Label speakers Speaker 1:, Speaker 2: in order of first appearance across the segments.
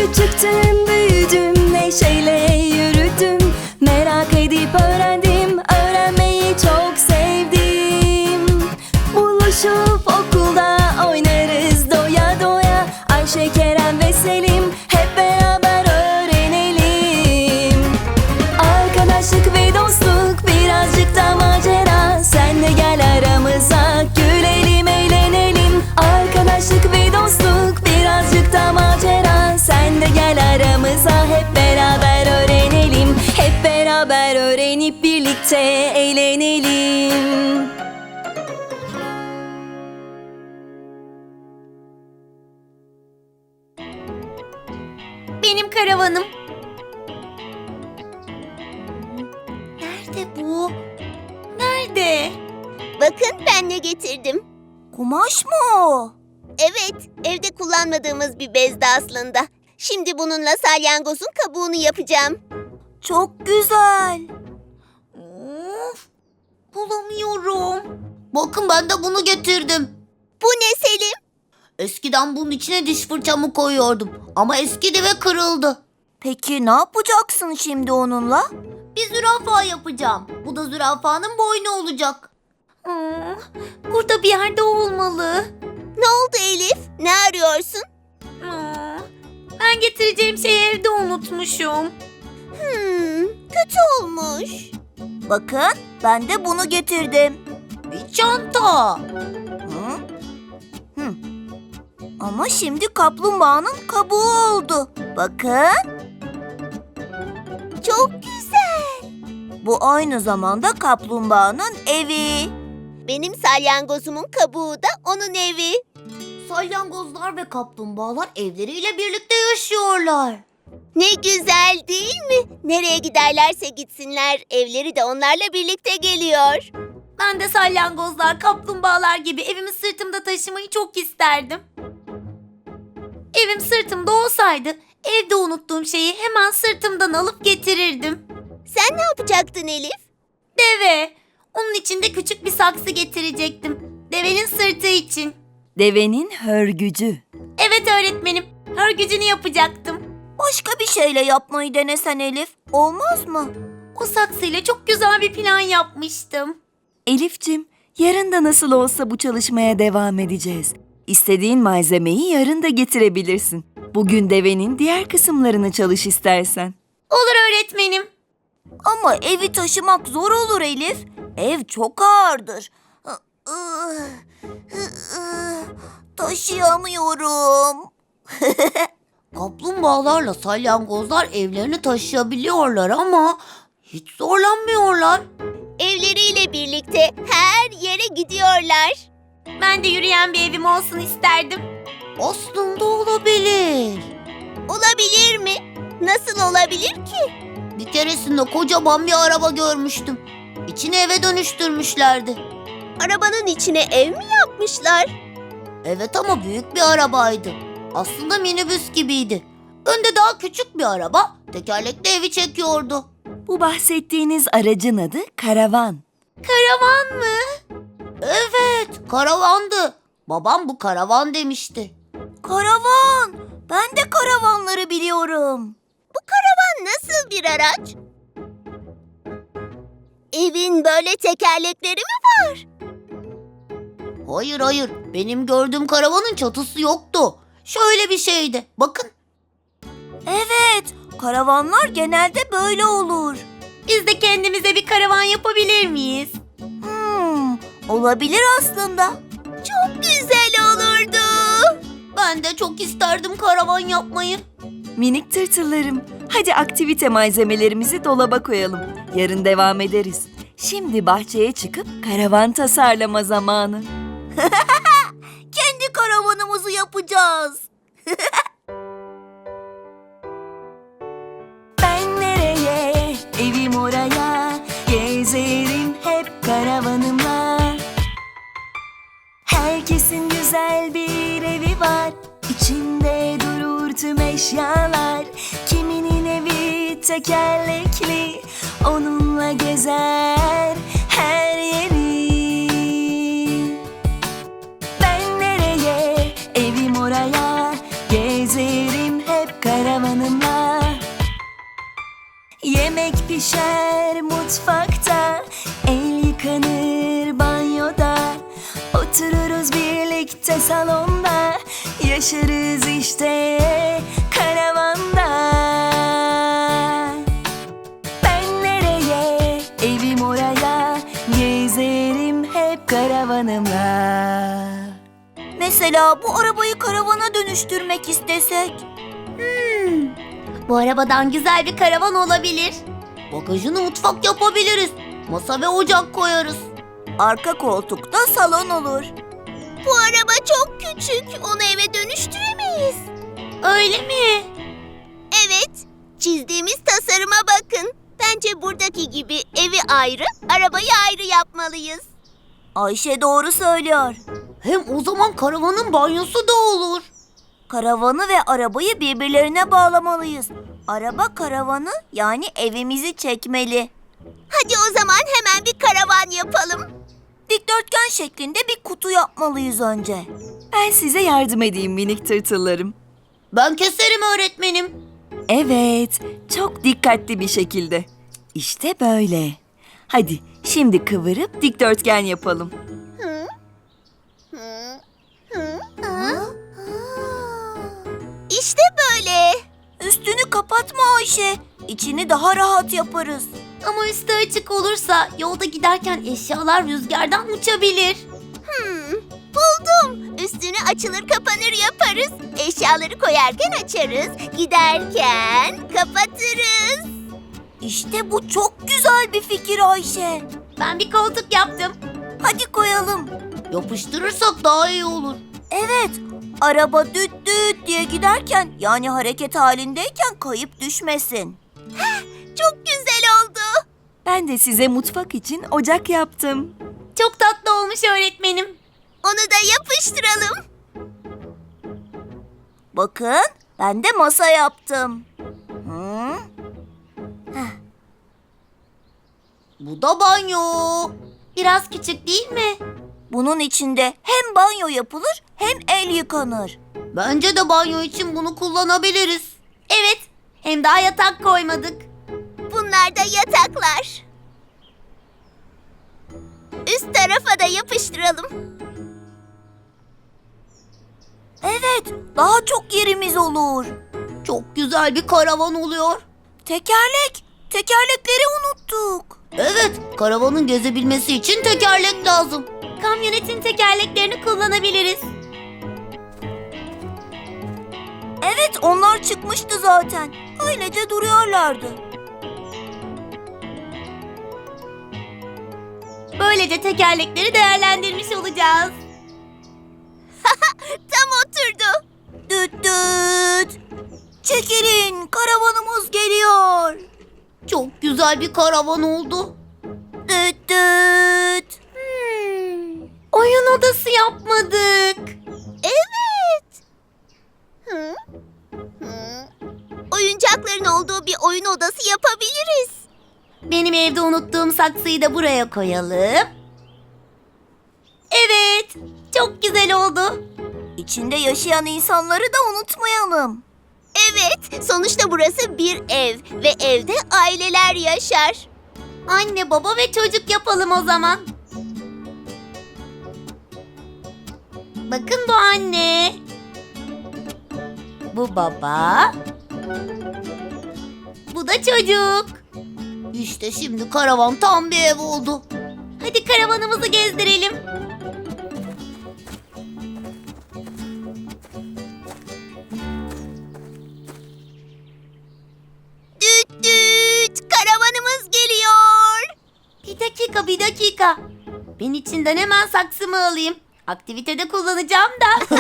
Speaker 1: Küçüktüm, büyüdüm, neşeyle yürüdüm. Merak edip öğrendim, öğrenmeyi çok sevdim. Buluşup okulda oynarız doya doya. Ayşe, Kerem ve Selim, hep beraber öğrenelim. Arkadaşlık ve dostluk, birazcık da macera. Sen de gel aramıza, gülelim, eğlenelim. Arkadaşlık ve dostluk, birazcık da macera. Sen de gel aramıza, hep beraber öğrenelim. Hep beraber öğrenip birlikte eğlenelim.
Speaker 2: Benim karavanım. Nerede bu? Nerede?
Speaker 3: Bakın ben ne getirdim.
Speaker 1: Kumaş mı o?
Speaker 3: Evet, evde kullanmadığımız bir bezdi aslında. Şimdi bununla salyangozun kabuğunu yapacağım.
Speaker 1: Çok güzel.
Speaker 2: Of, bulamıyorum. Bakın ben de bunu getirdim.
Speaker 3: Bu ne Selim?
Speaker 2: Eskiden bunun içine diş fırçamı koyuyordum. Ama eskidi ve kırıldı.
Speaker 1: Peki ne yapacaksın şimdi onunla?
Speaker 2: Bir zürafa yapacağım. Bu da zürafanın boynu olacak. Burada bir yerde olmalı.
Speaker 3: Ne oldu Elif? Ne arıyorsun?
Speaker 2: Ben getireceğim şeyi evde unutmuşum.
Speaker 3: Kötü olmuş.
Speaker 1: Bakın, ben de bunu getirdim.
Speaker 2: Bir çanta.
Speaker 1: Hı? Hı. Ama şimdi kaplumbağanın kabuğu oldu. Bakın,
Speaker 3: Çok güzel.
Speaker 1: bu aynı zamanda kaplumbağanın evi.
Speaker 3: Benim salyangozumun kabuğu da onun evi.
Speaker 2: Salyangozlar ve kaplumbağalar evleriyle birlikte yaşıyorlar.
Speaker 3: Ne güzel değil mi? Nereye giderlerse gitsinler, evleri de onlarla birlikte geliyor.
Speaker 2: Ben de salyangozlar, kaplumbağalar gibi evimi sırtımda taşımayı çok isterdim. Evim sırtımda olsaydı evde unuttuğum şeyi hemen sırtımdan alıp getirirdim.
Speaker 3: Sen ne yapacaktın Elif?
Speaker 2: Deve. Onun için de küçük bir saksı getirecektim. Devenin sırtı için.
Speaker 1: Devenin hörgücü.
Speaker 2: Evet öğretmenim. Hörgücünü yapacaktım.
Speaker 1: Başka bir şeyle yapmayı denesen Elif, olmaz mı?
Speaker 2: O saksıyla çok güzel bir plan yapmıştım.
Speaker 1: Elif'cim, yarın da nasıl olsa bu çalışmaya devam edeceğiz. İstediğin malzemeyi yarın da getirebilirsin. Bugün devenin diğer kısımlarını çalış istersen.
Speaker 2: Olur öğretmenim.
Speaker 1: Ama evi taşımak zor olur Elif. Ev çok ağırdır. Taşıyamıyorum.
Speaker 2: Kaplumbağalarla salyangozlar evlerini taşıyabiliyorlar ama hiç zorlanmıyorlar.
Speaker 3: Evleriyle birlikte her yere gidiyorlar.
Speaker 2: Ben de yürüyen bir evim olsun isterdim. Aslında olabilir.
Speaker 3: Olabilir mi? Nasıl olabilir ki?
Speaker 2: Bir keresinde kocaman bir araba görmüştüm. İçini eve dönüştürmüşlerdi.
Speaker 3: Arabanın içine ev mi yapmışlar?
Speaker 2: Evet ama büyük bir arabaydı. Aslında minibüs gibiydi. Önde daha küçük bir araba, tekerlekli evi çekiyordu.
Speaker 1: Bu bahsettiğiniz aracın adı karavan.
Speaker 2: Karavan mı? Evet, karavandı. Babam bu karavan demişti.
Speaker 1: Karavan! Ben de karavanları biliyorum.
Speaker 3: Bu karavan nasıl bir araç? Evin böyle tekerlekleri mi var?
Speaker 2: Hayır, benim gördüğüm karavanın çatısı yoktu. Şöyle bir şeydi, bakın.
Speaker 1: Evet, karavanlar genelde böyle olur.
Speaker 2: Biz de kendimize bir karavan yapabilir miyiz?
Speaker 1: Olabilir aslında.
Speaker 3: Çok güzel olurdu.
Speaker 2: Ben de çok isterdim karavan yapmayı.
Speaker 1: Minik tırtıllarım, hadi aktivite malzemelerimizi dolaba koyalım. Yarın devam ederiz. Şimdi bahçeye çıkıp karavan tasarlama zamanı. Kendi karavanımızı yapacağız. Ben nereye, evim oraya, gezerim hep karavanımla. Herkesin güzel bir evi var, İçinde durur tüm eşyalar. Kiminin evi tekerlekli, onunla gezer her yeri. Ben nereye, evim oraya, gezerim hep karavan. Yemek pişer mutfakta, el yıkanır banyoda. Otururuz birlikte salonda, yaşarız işte karavanda. Ben nereye, evim oraya, gezerim hep karavanımla. Mesela bu arabayı karavana dönüştürmek istesek?
Speaker 2: Bu arabadan güzel bir karavan olabilir. Bagajını mutfak yapabiliriz. Masa ve ocak koyarız.
Speaker 1: Arka koltukta salon olur.
Speaker 3: Bu araba çok küçük. Onu eve dönüştüremeyiz.
Speaker 2: Öyle mi?
Speaker 3: Evet. Çizdiğimiz tasarıma bakın. Bence buradaki gibi evi ayrı, arabayı ayrı yapmalıyız.
Speaker 1: Ayşe doğru söylüyor.
Speaker 2: Hem o zaman karavanın banyosu da olur.
Speaker 1: Karavanı ve arabayı birbirlerine bağlamalıyız. Araba karavanı, yani evimizi çekmeli.
Speaker 3: Hadi o zaman hemen bir karavan yapalım.
Speaker 1: Dikdörtgen şeklinde bir kutu yapmalıyız önce. Ben size yardım edeyim minik tırtıllarım.
Speaker 2: Ben keserim öğretmenim.
Speaker 1: Evet, çok dikkatli bir şekilde. İşte böyle. Hadi şimdi kıvırıp dikdörtgen yapalım.
Speaker 3: İşte böyle.
Speaker 1: Üstünü kapatma Ayşe. İçini daha rahat yaparız.
Speaker 2: Ama üstü açık olursa yolda giderken eşyalar rüzgardan uçabilir.
Speaker 3: Buldum. Üstünü açılır kapanır yaparız. Eşyaları koyarken açarız. Giderken kapatırız.
Speaker 1: İşte bu çok güzel bir fikir Ayşe.
Speaker 2: Ben bir koltuk yaptım.
Speaker 1: Hadi koyalım.
Speaker 2: Yapıştırırsak daha iyi olur.
Speaker 1: Evet, araba düt düt diye giderken, yani hareket halindeyken kayıp düşmesin.
Speaker 3: Çok güzel oldu.
Speaker 1: Ben de size mutfak için ocak yaptım.
Speaker 2: Çok tatlı olmuş öğretmenim.
Speaker 3: Onu da yapıştıralım.
Speaker 1: Bakın, ben de masa yaptım.
Speaker 2: Bu da banyo. Biraz küçük değil mi?
Speaker 1: Bunun içinde hem banyo yapılır hem el yıkanır.
Speaker 2: Bence de banyo için bunu kullanabiliriz. Evet, hem daha yatak koymadık.
Speaker 3: Bunlar da yataklar. Üst tarafa da yapıştıralım.
Speaker 1: Evet, daha çok yerimiz olur.
Speaker 2: Çok güzel bir karavan oluyor.
Speaker 1: Tekerlekleri unuttuk.
Speaker 2: Evet, karavanın gezebilmesi için tekerlek lazım. Kamyonetin tekerleklerini kullanabiliriz.
Speaker 1: Evet, onlar çıkmıştı zaten. Öylece duruyorlardı.
Speaker 2: Böylece tekerlekleri değerlendirmiş olacağız.
Speaker 3: Tam oturdu.
Speaker 1: Düt düt. Çekilin, karavanımız geliyor.
Speaker 2: Çok güzel bir karavan oldu.
Speaker 1: Düt düt.
Speaker 2: Oyun odası yapmadık.
Speaker 3: Evet. Oyuncakların olduğu bir oyun odası yapabiliriz.
Speaker 2: Benim evde unuttuğum saksıyı da buraya koyalım. Evet, çok güzel oldu.
Speaker 1: İçinde yaşayan insanları da unutmayalım.
Speaker 3: Evet, sonuçta burası bir ev ve evde aileler yaşar.
Speaker 2: Anne, baba ve çocuk yapalım o zaman. Bakın bu anne. Bu baba. Bu da çocuk. İşte şimdi karavan tam bir ev oldu. Hadi karavanımızı gezdirelim.
Speaker 3: Düt düt, karavanımız geliyor.
Speaker 2: Bir dakika. Ben içinden hemen saksımı alayım. Aktivitede kullanacağım da.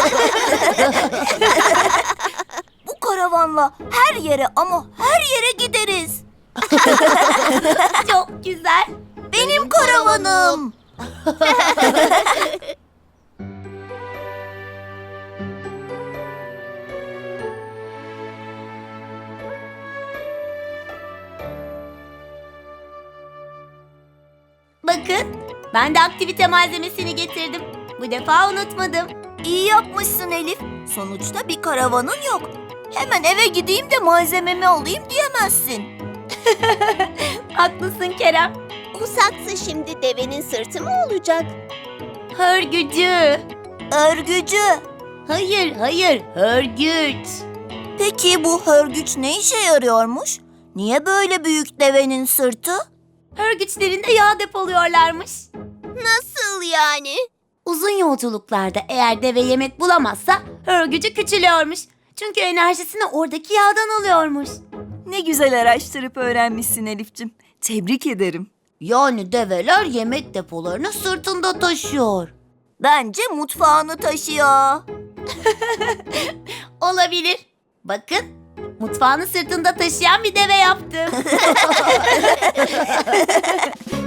Speaker 1: Bu karavanla her yere ama her yere gideriz.
Speaker 2: Çok güzel.
Speaker 1: Benim karavanım.
Speaker 2: Bakın, ben de aktivite malzemesini getirdim. Bu defa unutmadım.
Speaker 1: İyi yapmışsın Elif. Sonuçta bir karavanın yok. Hemen eve gideyim de malzememi alayım diyemezsin.
Speaker 2: Haklısın Kerem.
Speaker 3: Bu saksı şimdi devenin sırtı mı olacak?
Speaker 2: Hörgücü.
Speaker 3: Örgücü.
Speaker 2: Hayır, hörgüç.
Speaker 3: Peki bu hörgüç ne işe yarıyormuş? Niye böyle büyük devenin sırtı?
Speaker 2: Hörgüçlerinde yağ depoluyorlarmış.
Speaker 3: Nasıl yani?
Speaker 2: Uzun yolculuklarda eğer deve yemek bulamazsa hörgücü küçülüyormuş. Çünkü enerjisini oradaki yağdan alıyormuş.
Speaker 1: Ne güzel araştırıp öğrenmişsin Elif'cim. Tebrik ederim.
Speaker 2: Yani develer yemek depolarını sırtında taşıyor.
Speaker 3: Bence mutfağını taşıyor.
Speaker 2: Olabilir. Bakın, mutfağını sırtında taşıyan bir deve yaptım.